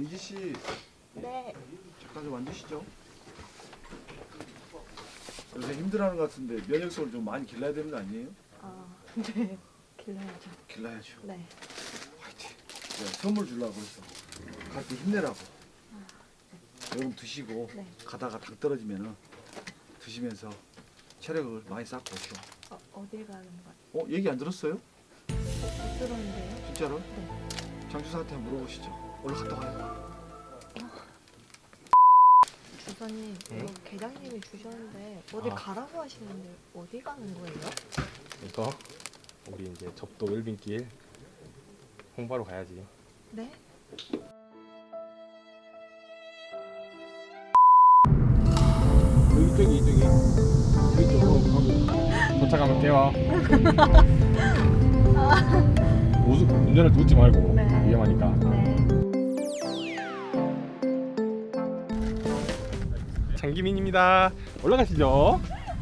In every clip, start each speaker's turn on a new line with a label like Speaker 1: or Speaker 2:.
Speaker 1: 민지 씨,
Speaker 2: 네.
Speaker 1: 잠깐 좀 앉으시죠. 요새 힘들어하는 것 같은데 면역성을 좀 많이 길러야 되는 거 아니에요?
Speaker 2: 아, 네. 길러야죠.
Speaker 1: 길러야죠.
Speaker 2: 네.
Speaker 1: 화이팅. 내가 선물 주려고 했어. 갈 때 힘내라고. 요금 드시고
Speaker 2: 네.
Speaker 1: 가다가 당 떨어지면은 드시면서 체력을 많이 쌓고 오시오.
Speaker 2: 어딜 가는 거예요?
Speaker 1: 얘기 안 들었어요?
Speaker 2: 못 들었는데요?
Speaker 1: 진짜로?
Speaker 2: 네.
Speaker 1: 장주사한테 한번 물어보시죠. 얼른 갔다 와요.
Speaker 2: 주사님,
Speaker 3: 응?
Speaker 2: 이거 계장님이 주셨는데 어디
Speaker 3: 아.
Speaker 2: 가라고 하시는데 어디 가는 거예요?
Speaker 3: 이거 우리 이제 접도 웰빙길 홍보하러 가야지.
Speaker 2: 네?
Speaker 3: 이쪽이 이쪽으로 가고 도착하면 깨워. 운전을 놓지 말고
Speaker 2: 네.
Speaker 3: 위험하니까.
Speaker 2: 네.
Speaker 3: 장기민입니다. 올라가시죠.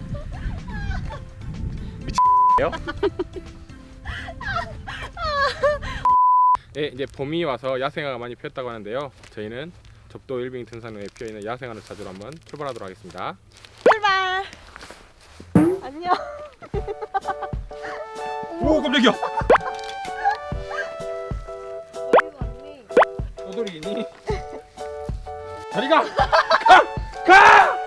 Speaker 3: 미친요? 네, 이제 봄이 와서 야생화가 많이 피었다고 하는데요. 저희는 접도 웰빙 등산로에 피어있는 야생화를 찾으러 한번 출발하도록 하겠습니다.
Speaker 2: 출발! 안녕.
Speaker 3: 오, 깜짝이야.
Speaker 2: 어디 갔니?
Speaker 3: 떠돌이니? 자리가 가!